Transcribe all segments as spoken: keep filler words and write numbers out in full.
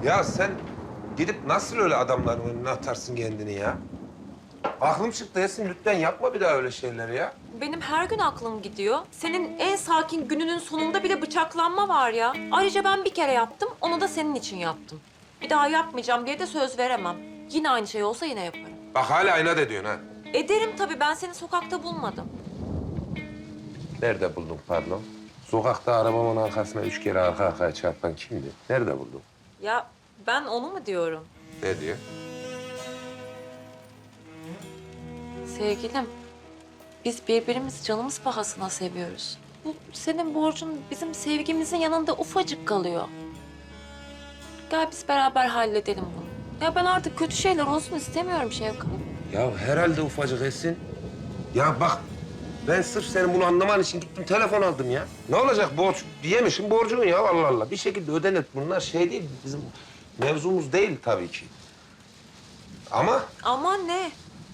Ya sen gidip nasıl öyle adamların önüne atarsın kendini ya? Aklım çıktı Esin, lütfen yapma bir daha öyle şeyleri ya. Benim her gün aklım gidiyor. Senin en sakin gününün sonunda bile bıçaklanma var ya. Ayrıca ben bir kere yaptım, onu da senin için yaptım. Bir daha yapmayacağım diye de söz veremem. Yine aynı şey olsa yine yaparım. Bak hala inat ediyorsun ha. Ederim tabii, ben seni sokakta bulmadım. Nerede buldun pardon? Sokakta arabamın arkasına üç kere arka arkaya çarpan kimdi? Nerede buldun? Ya ben onu mu diyorum? Ne diyor? Sevgilim, biz birbirimizi canımız pahasına seviyoruz. Bu senin borcun bizim sevgimizin yanında ufacık kalıyor. Gel biz beraber halledelim bunu. Ya ben artık kötü şeyler olsun istemiyorum Şevkat. Ya herhalde ufacık Esin. Ya bak ben sırf senin bunu anlaman için gittim telefon aldım ya. Ne olacak borç diyemişim borcun ya Allah Allah. Bir şekilde ödenir. Bunlar şey değil bizim mevzumuz değil tabii ki. Ama Aman ne?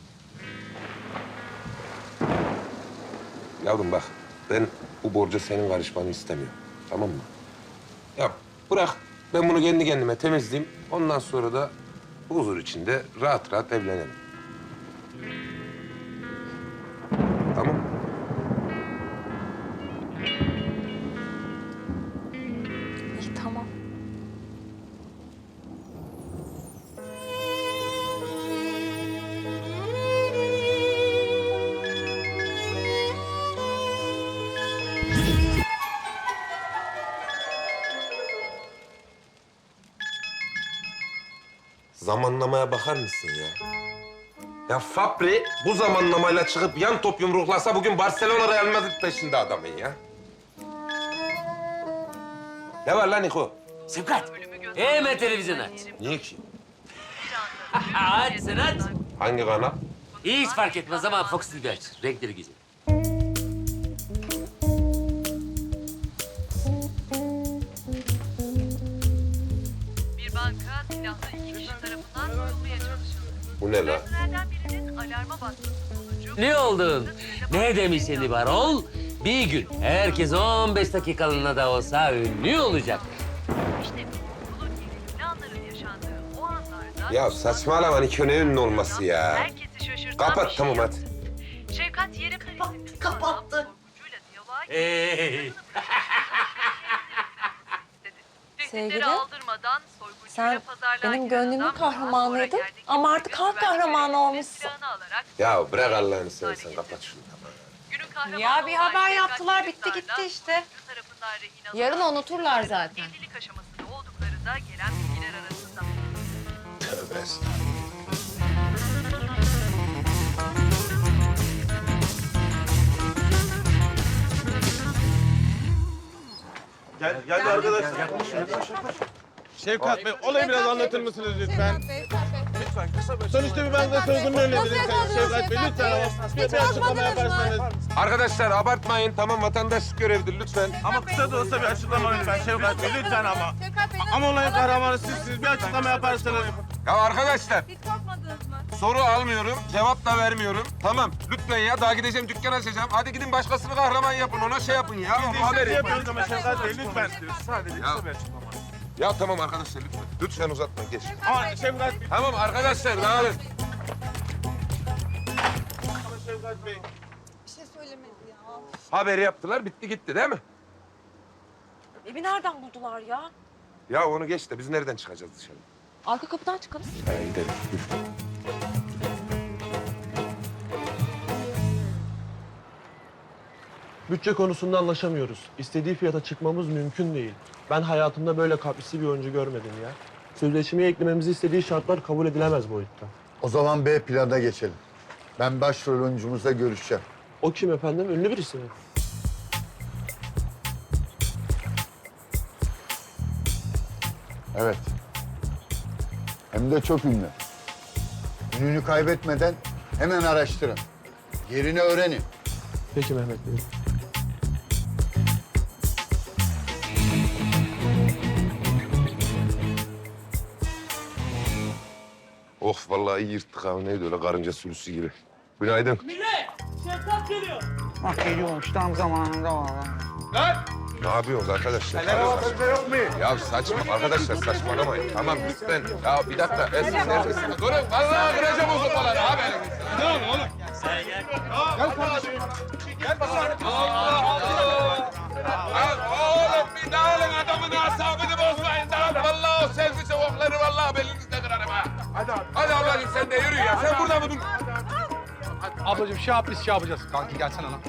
yavrum bak ben bu borca senin karışmanı istemiyorum. Tamam mı? Ya bırak ben bunu kendi kendime temizleyeyim. Ondan sonra da huzur içinde rahat rahat evlenelim. Tamam mı? İyi tamam. Zamanlamaya bakar mısın ya? Ya Fabri bu zamanlamayla çıkıp yan top yumruklasa bugün Barcelona Real Madrid peşinde adamın ya. Ne var lan Niko? Sevkat, hemen televizyon aç. Niye ki? Aç sen aç. Hangi kanal? Hiç fark etmez ama Fox T V aç. Renkleri güzel. Bir banka silahlı iki kişi tarafından soyulmaya çalışıldı. Bu ne lan? Personelden birinin alarma basması sonucu... Ne oldun? Ne demiş seni Barol? Bir gün herkes on beş dakikalığına da olsa ünlü olacak. İşte bu yolun gerekli anların yaşandığı o anlarda... Ya saçmalama Niko ne ünlü olması ya. Herkesi şaşırtan Kapat bir şey tamam hadi. yaptı. Şevkat Yerim Kalesi'nin kapattı. Korkucuyla diyaloğa girdi. Hey. Sevgilim, Tehditleri aldırmadan soyguncuyla sen pazarlığa benim giren gönlümün adam daha sonra kahramanıydın yerdeki ama artık güvenlik halk kahramanı görevlisinin olmuşsun. silahını alarak Ya bırak Allah'ını seversen kapat şunu tamam. günün kahramanı Ya bir olan haber Şevkat yaptılar, Yerim bitti gitti Darla, işte. soyguncu tarafından rehin alınan Yarın unuturlar zaten. evlilik aşamasında oldukları da gelen bilgiler arasında. Tövbe estağfurullah. Gel, gel, arkadaşlar. Şevkat Bey, olayı biraz anlatır mısınız lütfen? Lütfen, kısa bir Sonuçta bir banka soygununu önlediniz. Şevkat Bey, lütfen ama bir açıklama yaparsanız. Arkadaşlar abartmayın tamam vatandaşlık görevidir lütfen. Ama kısa da olsa bir açıklama lütfen Şevkat Bey, lütfen ama. Ama olayın kahramanı sizsiniz, bir açıklama yaparsanız. Ya arkadaşlar Hiç korkmadınız mı? soru almıyorum, cevap da vermiyorum. Tamam lütfen ya daha gideceğim dükkan açacağım. Hadi gidin başkasını kahraman yapın ona şey yapın ya. Biz de Haber sizi yapın. yapıyoruz ama Şevkat Bey, lütfen. Sadece Ya. kısa bir açıklama. Ya tamam arkadaşlar lütfen. Lütfen uzatma geç. Ama Şevkat Bey, Tamam arkadaşlar dağılın. ama Şevkat Bey. Bir şey söylemedi ya. Haber yaptılar bitti gitti değil mi? Evi nereden buldular ya? Ya onu geç de biz nereden çıkacağız dışarı? Arka kapıdan çıkalım. He gidelim. Bütçe konusunda anlaşamıyoruz. İstediği fiyata çıkmamız mümkün değil. Ben hayatımda böyle kaprisli bir oyuncu görmedim ya. Sözleşmeye eklememizi istediği şartlar kabul edilemez boyutta. O zaman B plana geçelim. Ben başrol oyuncumuzla görüşeceğim. O kim efendim? Ünlü birisi mi? Evet. Hem de çok ünlü. Ününü kaybetmeden hemen araştırın. Yerini öğrenin. Peki Mehmet Bey. Of vallahi iyi yırttık abi neydi öyle karınca sürüsü gibi. Günaydın. Bak geliyormuş tam zamanında valla. Lan! Ne yapıyorsunuz arkadaşlar? yok mu? Ya saçma arkadaşlar saçmalamayın. Tamam lütfen. Ya bir dakika. Esin neredesiniz? Durun. Vallahi kıracağım o sopaları abi. Ne oldu oğlum? Gel kardeşim. Gel bakalım. Oğlum bir dağılın adamın asabını bozmayın. Dağılın. Vallahi o selfie çabukları vallahi belinizde kırarım ha. Hadi abi. Hadi ablacığım sen de yürü ya. Sen burada mı dur? Ablacığım şey yap biz şey yapacağız. Kanki gelsene lan.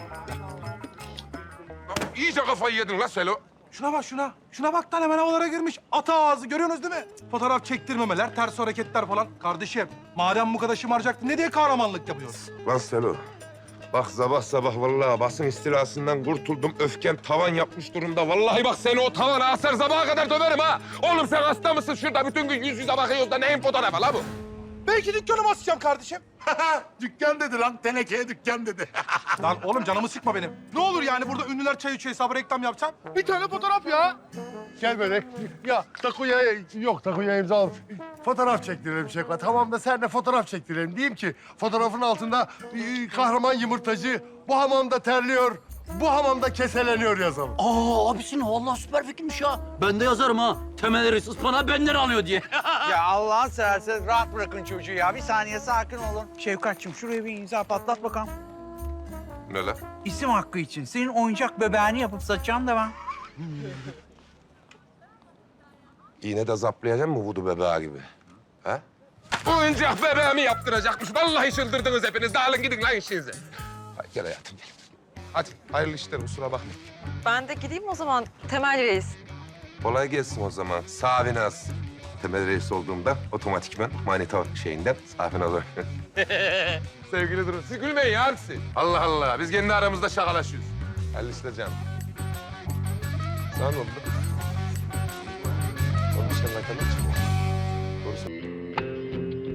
İyice kafayı yedin la Selo. Şuna bak şuna. Şuna bak lan hemen havalara girmiş. Ata ağzı görüyorsunuz değil mi? Fotoğraf çektirmemeler, ters hareketler falan. Kardeşim madem bu kadar şımaracaktın ne diye kahramanlık yapıyorsun? Lan Selo. Bak sabah sabah vallahi basın istilasından kurtuldum. Öfkem tavan yapmış durumda. Vallahi bak seni o tavana asar sabaha kadar döverim ha. Oğlum sen hasta mısın? Şurada bütün gün yüz yüze bakıyoruz da neyin fotoğrafı la bu? Belki dükkanımı asacağım kardeşim. Dükkan dedi lan. Tenekeye dükkan dedi. Lan oğlum canımı sıkma benim. Ne olur yani burada ünlüler çay içiyor hesabı reklam yapacağım. Bir tane fotoğraf ya. Gel böyle. Ya takuya yok takuya imza al. Fotoğraf çektirelim Şevkat. Tamam da sen de fotoğraf çektirelim. Diyeyim ki fotoğrafın altında e, kahraman yumurtacı bu hamamda terliyor, bu hamamda keseleniyor yazalım. Aa abisinin vallahi süper fikirmiş ya. Ben de yazarım ha. Temelleri ıspanağı benden alıyor diye. Ya Allah'ın seversen rahat bırakın çocuğu ya. Bir saniye sakin olun. Şevkatçığım şuraya bir imza patlat bakalım. Ne la? İsim hakkı için. Senin oyuncak bebeğini yapıp satacağım da ben. İğne de zaplayacak mı vudu bebeği gibi? Ha? Oyuncak bebeğimi yaptıracakmış. Vallahi çıldırdınız hepiniz. Dağılın gidin lan işinize. Hadi gel hayatım gel. Hadi hayırlı işler kusura bakma. Ben de gideyim o zaman Temel Reis. Kolay gelsin o zaman. Savinaz. Temel reis olduğumda otomatikman manita şeyinden Safinaz oluyor. Sevgili durun. Siz gülmeyin ya hepsi. Allah Allah. Biz kendi aramızda şakalaşıyoruz. Hayırlı işler canım. Sana ne oldu? Onun için ne kadar çıkıyor? Doğru söylüyorsun.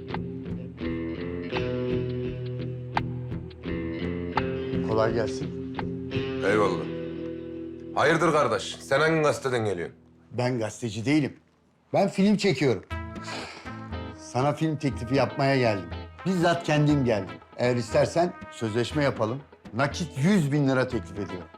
Kolay gelsin. Eyvallah. Hayırdır kardeş? Sen hangi gazeteden geliyorsun? Ben gazeteci değilim. Ben film çekiyorum. Sana film teklifi yapmaya geldim. Bizzat kendim geldim. Eğer istersen sözleşme yapalım. Nakit yüz bin lira teklif ediyorum.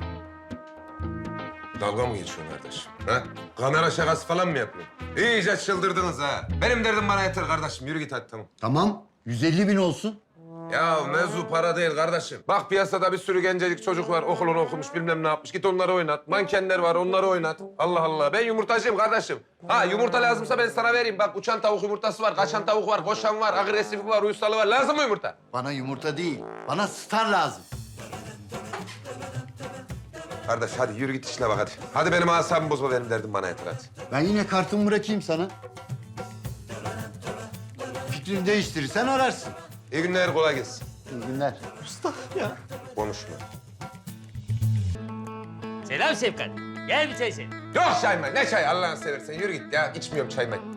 Dalga mı geçiyorsun kardeş? Ha? Kamera şakası falan mı yapıyorsun? İyice çıldırdınız ha. Benim derdim bana yeter kardeşim. Yürü git hadi tamam. Tamam, yüz elli bin olsun. Ya mevzu para değil kardeşim. Bak piyasada bir sürü gencecik çocuk var. Okulunu okumuş bilmem ne yapmış. Git onları oynat. Mankenler var onları oynat. Allah Allah. Ben yumurtacıyım kardeşim. Ha yumurta lazımsa ben sana vereyim. Bak uçan tavuk yumurtası var. Kaçan tavuk var. Koşan var. Agresifi var. Uyusalı var. Lazım mı yumurta? Bana yumurta değil, bana star lazım. Kardeş hadi yürü git işine bak hadi. Hadi benim asabımı bozma benim derdim bana yeter hadi. Ben yine kartımı bırakayım sana. Fikrini değiştirirsen ararsın. İyi günler kolay gelsin. İyi günler. Konuşma. Selam Şefkat. Gel bir çay içelim. Yok çay mı? Ne çay Allah'ını seversen yürü git ya. İçmiyorum çay mı?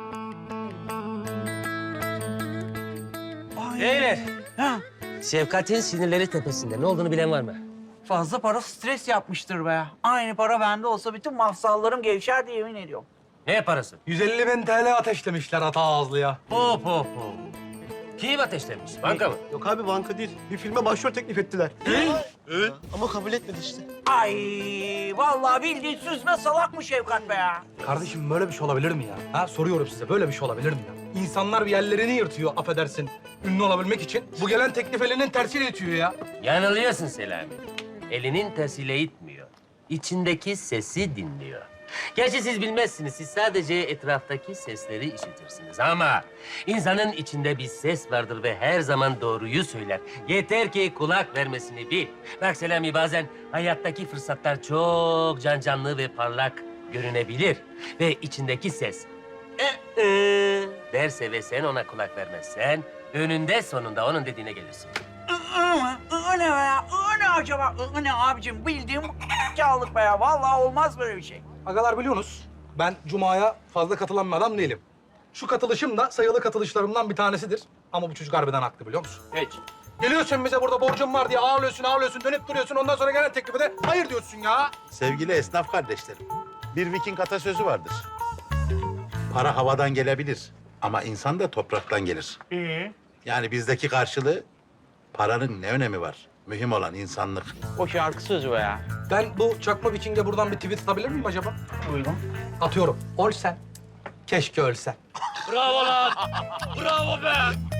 Beyler. Ha, Şefkat'in sinirleri tepesinde. Ne olduğunu bilen var mı? fazla para stres yapmıştır be. Aynı para bende olsa bütün mafsallarım gevşer diye yemin ediyorum. Ne parası? yüz elli bin T L ateşlemişler ata ağızlıya. Hop hop hop. Kim ateşlemiş? Banka mı? Yok abi banka değil. Bir filme başrol teklif ettiler. Evet. Ama kabul etmedi işte. Ay vallahi bildiğin süzme salak mı Şevkat be ya? Kardeşim böyle bir şey olabilir mi ya? Ha soruyorum size böyle bir şey olabilir mi ya? İnsanlar bir yerlerini yırtıyor affedersin ünlü olabilmek için. Bu gelen teklif elinin tersiyle itiyor ya. Yanılıyorsun Selami. Elinin tersiyle itmiyor. İçindeki sesi dinliyor. Gerçi siz bilmezsiniz. Siz sadece etraftaki sesleri işitirsiniz. Ama insanın içinde bir ses vardır ve her zaman doğruyu söyler. Yeter ki kulak vermesini bil. Bak Selami bazen hayattaki fırsatlar çok can canlı ve parlak görünebilir. Ve içindeki ses "Ee, e" derse ve sen ona kulak vermezsen önünde sonunda onun dediğine gelirsin. Iı mı? Iı ne be ya? Iı ne acaba? Iı ne abicim? Bildiğim kâllık be ya. Vallahi olmaz böyle bir şey. Agalar biliyorsunuz ben Cuma'ya fazla katılan bir adam değilim. Şu katılışım da sayılı katılışlarımdan bir tanesidir. Ama bu çocuk harbiden haklı biliyor musun? Hiç. Geliyorsun bize burada borcum var diye ağlıyorsun ağlıyorsun dönüp duruyorsun. Ondan sonra gelen teklife de hayır diyorsun ya. Sevgili esnaf kardeşlerim, bir Viking atasözü vardır. Para havadan gelebilir ama insan da topraktan gelir. İyi. Yani bizdeki karşılığı paranın ne önemi var? Mühim olan insanlık. O şarkı sözü be ya. Ben bu çakma Viking'e buradan bir tweet atabilir miyim acaba? Buyurun. Atıyorum. Olsen. Keşke ölsen. Bravo lan! Bravo be!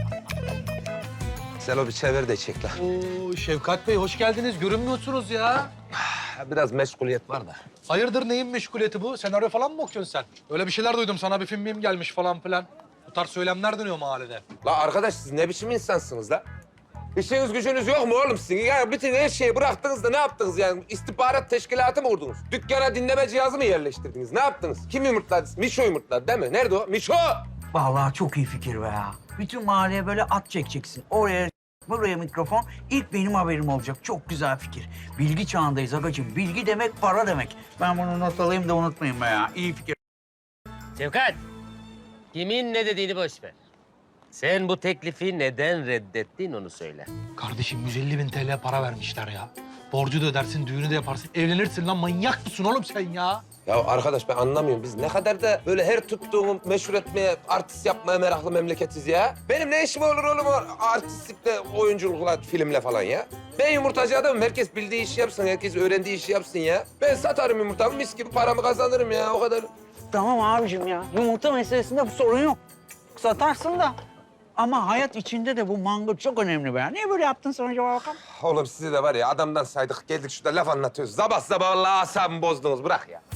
Sen o bir çevir de çek lan. Oo Şevkat Bey hoş geldiniz. Görünmüyorsunuz ya. Biraz meşguliyet var da. Hayırdır neyin meşguliyeti bu? Senaryo falan mı okuyorsun sen? Öyle bir şeyler duydum. Sana bir film miyim gelmiş falan filan. Bu tarz söylemler dönüyor mahallede. La arkadaş siz ne biçim insansınız la? İşiniz gücünüz yok mu oğlum sizin? Ya bütün her şeyi bıraktınız da ne yaptınız yani? İstihbarat teşkilatı mı kurdunuz? Dükkana dinleme cihazı mı yerleştirdiniz? Ne yaptınız? Kim yumurtladı? Mişo yumurtladı değil mi? Nerede o? Mişo! Vallahi çok iyi fikir be ya. Bütün mahalleye böyle at çekeceksin. Oraya, buraya mikrofon. İlk benim haberim olacak. Çok güzel fikir. Bilgi çağındayız agacığım. Bilgi demek para demek. Ben bunu not alayım da unutmayın be ya. İyi fikir. Şevkat, kimin ne dediğini boş ver. Sen bu teklifi neden reddettin onu söyle. Kardeşim yüz elli bin T L para vermişler ya. Borcu da ödersin, düğünü de yaparsın. Evlenirsin lan manyak mısın oğlum sen ya? Ya arkadaş ben anlamıyorum. Biz ne kadar da böyle her tuttuğumu meşhur etmeye, artist yapmaya meraklı memleketiz ya. Benim ne işim olur oğlum o artistlikle, oyunculukla, filmle falan ya? Ben yumurtacı adamım. Herkes bildiği işi yapsın, herkes öğrendiği işi yapsın ya. Ben satarım yumurtamı, mis gibi paramı kazanırım ya o kadar. Tamam abicim ya. Yumurta meselesinde bu sorun yok. Satarsın da. Ama hayat içinde de bu mango çok önemli be ya. Niye böyle yaptın sen acaba bakalım? Oğlum sizi de var ya adamdan saydık geldik şurada laf anlatıyoruz. Zabah zabah Allah asabımı bozdunuz bırak ya.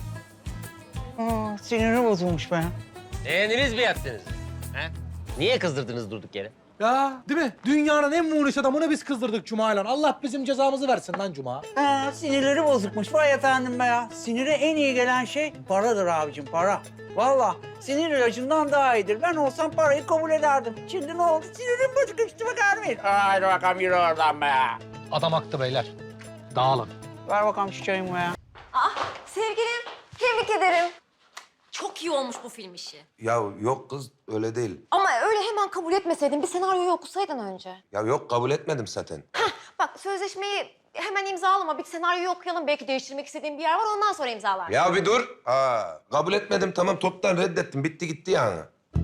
Aa, siniri bozulmuş be. Beğendiniz mi yaptınız? Ha? Niye kızdırdınız durduk yere? Ya değil mi? Dünyanın en muğlis adamını biz kızdırdık Cuma'yla. Allah bizim cezamızı versin lan Cuma. Ha, sinirleri bozukmuş. Vay efendim be ya. Sinire en iyi gelen şey paradır abicim, para. Vallahi sinir ilacından daha iyidir. Ben olsam parayı kabul ederdim. Şimdi ne oldu? Sinirim bozuk işte bakar mıyım? Haydi bakalım yürü oradan be. Adam haklı beyler. Dağılın. Ver bakalım şu çayımı be ya. Sevgilim, tebrik ederim. Çok iyi olmuş bu film işi. Ya yok kız öyle değil. Ama öyle hemen kabul etmeseydin, bir senaryoyu okusaydın önce. Ya yok kabul etmedim zaten. Bak sözleşmeyi hemen imzalama, bir senaryoyu okuyalım. Belki değiştirmek istediğin bir yer var, ondan sonra imzalar. Ya bir dur. Aa, kabul etmedim tamam toptan reddettim. Bitti gitti yani.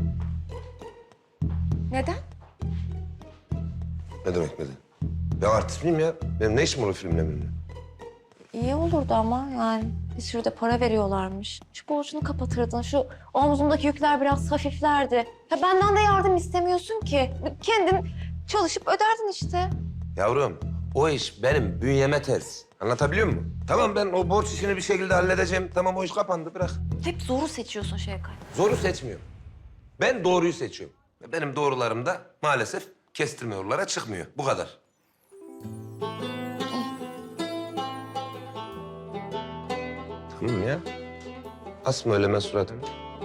Neden? Ne demek neden? Ya artist miyim ya? Benim ne işim olur filmle benimle? İyi olurdu ama yani bir sürü de para veriyorlarmış. Şu borcunu kapatırdın, şu omzumdaki yükler biraz hafiflerdi. Ya benden de yardım istemiyorsun ki. Kendin çalışıp öderdin işte. Yavrum o iş benim bünyeme ters. Anlatabiliyor muyum? Tamam ben o borç işini bir şekilde halledeceğim. Tamam o iş kapandı bırak. Hep zoru seçiyorsun Şevkat. Zoru seçmiyorum. Ben doğruyu seçiyorum. Benim doğrularım da maalesef kestirme yollara çıkmıyor. Bu kadar. Tamam ya. Asma öyle ben suratımı.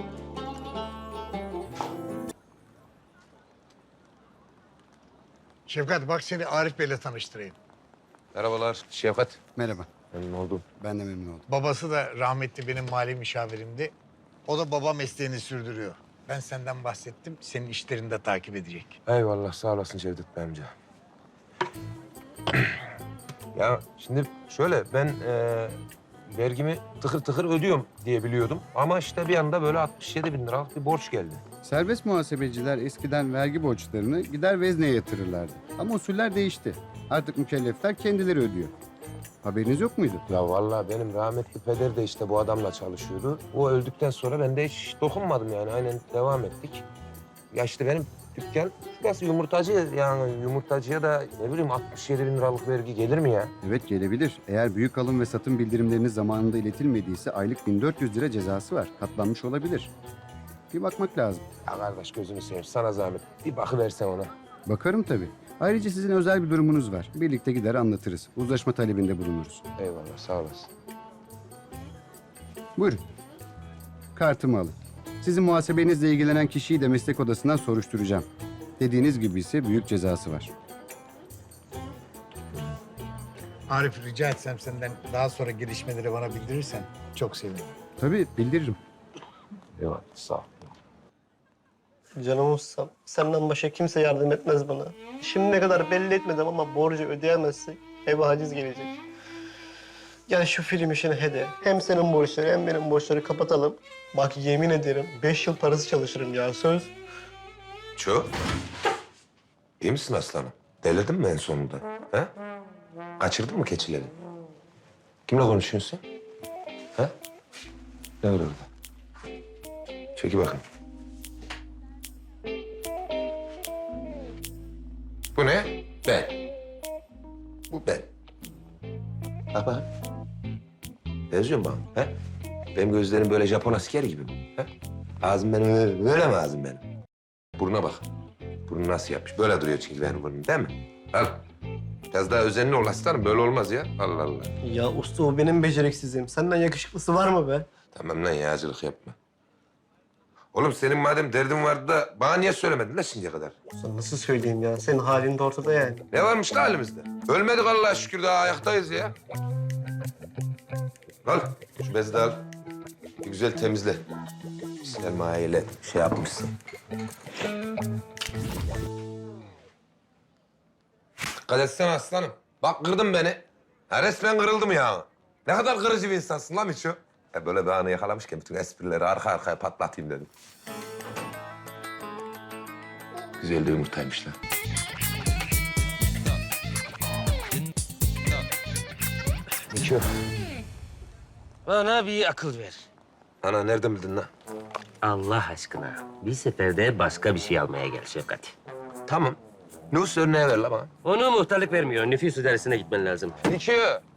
Şefkat bak seni Arif Bey'le tanıştırayım. Merhabalar Şevkat. Merhaba. Memnun oldum. Ben de memnun oldum. Babası da rahmetli benim mali müşavirimdi. O da baba mesleğini sürdürüyor. Ben senden bahsettim, senin işlerini de takip edecek. Eyvallah sağ olasın Cevdet Bey amca. Ya şimdi şöyle ben e, vergimi tıkır tıkır ödüyorum diye biliyordum. Ama işte bir anda böyle altmış yedi bin liralık bir borç geldi. Serbest muhasebeciler eskiden vergi borçlarını gider vezneye yatırırlardı. Ama usuller değişti. Artık mükellefler kendileri ödüyor. Haberiniz yok muydu? Ya vallahi benim rahmetli peder de işte bu adamla çalışıyordu. O öldükten sonra ben de hiç dokunmadım yani. Aynen devam ettik. Ya işte benim dükkan şurası yumurtacı yani yumurtacıya da ne bileyim altmış yedi bin liralık vergi gelir mi ya? Evet gelebilir. Eğer büyük alım ve satım bildirimleriniz zamanında iletilmediyse aylık bin dört yüz lira cezası var. Katlanmış olabilir. Bir bakmak lazım. Ya kardeş gözünü seveyim sana zahmet. Bir bakıversen ona. Bakarım tabii. Ayrıca sizin özel bir durumunuz var. Birlikte gider anlatırız. Uzlaşma talebinde bulunuruz. Eyvallah sağ olasın. Buyurun. Kartımı alın. Sizin muhasebenizle ilgilenen kişiyi de meslek odasından soruşturacağım. Dediğiniz gibi ise büyük cezası var. Arif rica etsem senden daha sonra gelişmeleri bana bildirirsen çok sevinirim. Tabii bildiririm. Eyvallah sağ ol. Canım ustam, senden başka kimse yardım etmez bana. Şimdiye kadar belli etmedim ama borcu ödeyemezsek eve haciz gelecek. Gel şu film işini hede. Hem senin borçları hem benim borçları kapatalım. Bak yemin ederim beş yıl parası çalışırım ya söz. Ço. İyi misin aslanım? Delirdin mi en sonunda? He? Kaçırdın mı keçileri? Kimle konuşuyorsun sen? Ha? Ne var orada? Çeki bakın. Bu ne? Ben. Bu ben. Bak bak. Benziyor mu bana? Ha? Benim gözlerim böyle Japon askeri gibi mi? Ha? Ağzım benim öyle, böyle mi ağzım benim? Buruna bak. Burnu nasıl yapmış? Böyle duruyor çünkü benim burnum değil mi? Al. Biraz daha özenli ol aslanım. Böyle olmaz ya. Allah Allah. Ya usta o benim beceriksizliğim. Senden yakışıklısı var mı be? Tamam lan yağcılık yapma. Oğlum senin madem derdin vardı da bana niye söylemedin lan şimdiye kadar? Usta nasıl söyleyeyim ya? Senin halin de ortada yani. Ne varmış da halimizde? Ölmedik Allah'a şükür daha ayaktayız ya. Al şu bezi de al. Bir güzel temizle. Sermayeyle şey yapmışsın. Dikkat etsene aslanım. Bak kırdın beni. Ha, resmen kırıldım ya. Ne kadar kırıcı bir insansın lan Miço. Ya böyle bir anı yakalamışken bütün esprileri arka arkaya patlatayım dedim. Güzel de yumurtaymış lan. Miço. Bana bir akıl ver. Ana nereden bildin lan? Allah aşkına bir seferde başka bir şey almaya gel Şefkat. Tamam. Nüfus örneği ver la bana. Onu muhtarlık vermiyor. Nüfus idaresine gitmen lazım. Miço.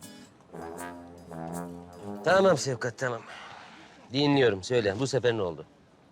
Tamam Şefkat, tamam. Dinliyorum. Söyle. Bu sefer ne oldu?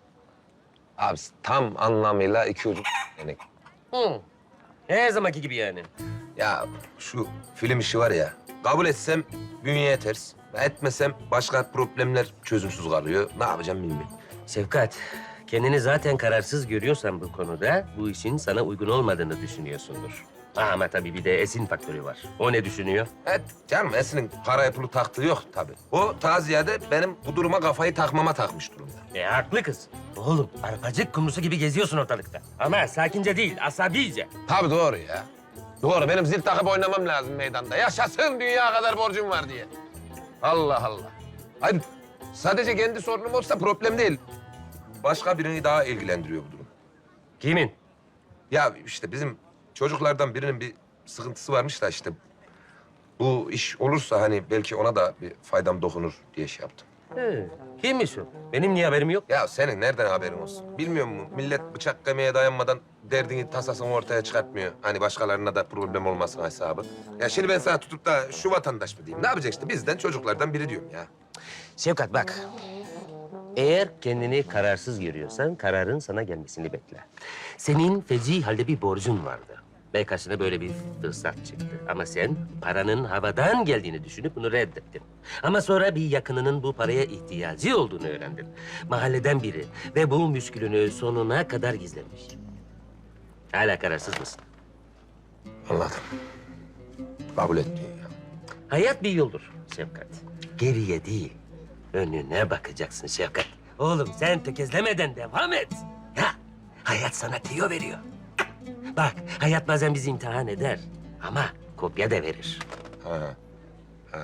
Abi tam anlamıyla iki ucu yani. Hı. Her zamanki gibi yani. Ya şu film işi var ya, kabul etsem bünyeye ters, etmesem başka problemler çözümsüz kalıyor. Ne yapacağım bilmiyorum. Şefkat, kendini zaten kararsız görüyorsan bu konuda bu işin sana uygun olmadığını düşünüyorsundur. Ama tabii bir de Esin faktörü var. O ne düşünüyor? Evet canım Esin'in paraya pulu taktığı yok tabii. O ta ziyade benim bu duruma kafayı takmama takmış durumda. E haklı kız. Oğlum arpacık kumrusu gibi geziyorsun ortalıkta. Ama sakince değil, asabice. Tabii doğru ya. Doğru benim zil takıp oynamam lazım meydanda. Yaşasın dünya kadar borcum var diye. Allah Allah. Hayır sadece kendi sorunum olsa problem değil. Başka birini daha ilgilendiriyor bu durum. Kimin? Ya işte bizim çocuklardan birinin bir sıkıntısı varmış da işte bu iş olursa hani belki ona da bir faydam dokunur diye şey yaptım. He, kimmiş o? Benim niye haberim yok? Ya senin nereden haberin olsun? Bilmiyor musun? Millet bıçak kemiğe dayanmadan derdini, tasasını ortaya çıkartmıyor. Hani başkalarına da problem olmasın hesabı. Ya şimdi ben sana tutup da şu vatandaş mı diyeyim? Ne yapacak işte? Bizden çocuklardan biri diyorum ya. Şefkat bak. Eğer kendini kararsız görüyorsan kararın sana gelmesini bekle. Senin feci halde bir borcun vardı. Ve karşına böyle bir fırsat çıktı. Ama sen paranın havadan geldiğini düşünüp bunu reddettin. Ama sonra bir yakınının bu paraya ihtiyacı olduğunu öğrendin. Mahalleden biri ve bu müşkülünü sonuna kadar gizlemiş. Hala kararsız mısın? Anladım. Kabul et diyor ya. Hayat bir yoldur Şefkat. Geriye değil, önüne bakacaksın Şefkat. Oğlum sen tökezlemeden devam et. Ya, hayat sana tüyo veriyor. Bak, hayat bazen bizi imtihan eder ama kopya da verir. Ha. Ha.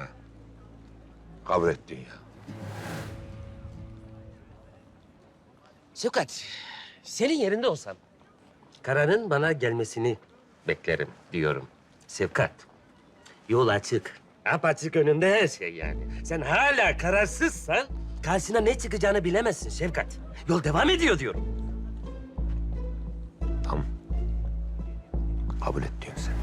Kabul et diyor ya. Şefkat, senin yerinde olsam kararın bana gelmesini beklerim diyorum. Şefkat, yol açık. Apaçık önünde her şey yani. Sen hala kararsızsan karşına ne çıkacağını bilemezsin Şefkat. Yol devam ediyor diyorum. Tamam. Kabul et diyorsun sen.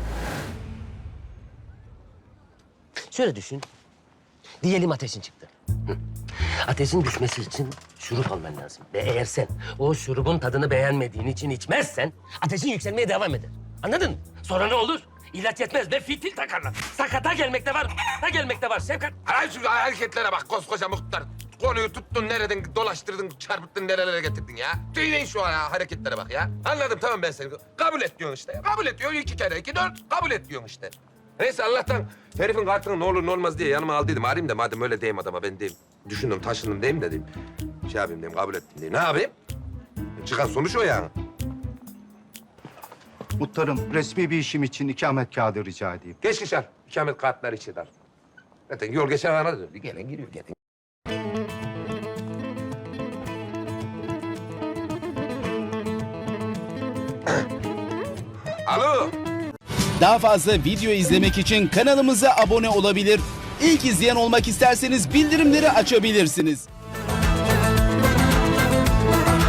Şöyle düşün. Diyelim ateşin çıktı. Hı. Ateşin düşmesi için şurup alman lazım. Ve eğer sen o şurubun tadını beğenmediğin için içmezsen ateşin yükselmeye devam eder. Anladın mı? Sonra ne olur? İlaç yetmez ve fitil takarlar. Sakata gelmekte var, da gelmekte var Şefkat. Ay şu hareketlere bak koskoca muhtar. Konuyu tuttun nereden dolaştırdın, çarpıttın nerelere getirdin ya. Söyleyin şu ya, hareketlere bak ya. Anladım tamam ben seni. Kabul et diyorsun işte. Kabul et diyorsun iki kere iki dört. Kabul et diyorsun işte. Neyse Allah'tan herifin kartını ne olur ne olmaz diye yanıma aldıydım. Arayayım da madem öyle diyeyim adama ben diyeyim. Düşündüm taşındım diyeyim de diyeyim. Şey yapayım diyeyim kabul ettim diyeyim. Ne yapayım? Çıkan sonuç o yani. Muhtarım, resmi bir işim için ikamet kağıdı rica edeyim. Geç geçer. İkamet kartları içi dar. Zaten yol geçen ana diyor. Gelen giriyor gelen. Alo. Daha fazla video izlemek için kanalımıza abone olabilir. İlk izleyen olmak isterseniz bildirimleri açabilirsiniz.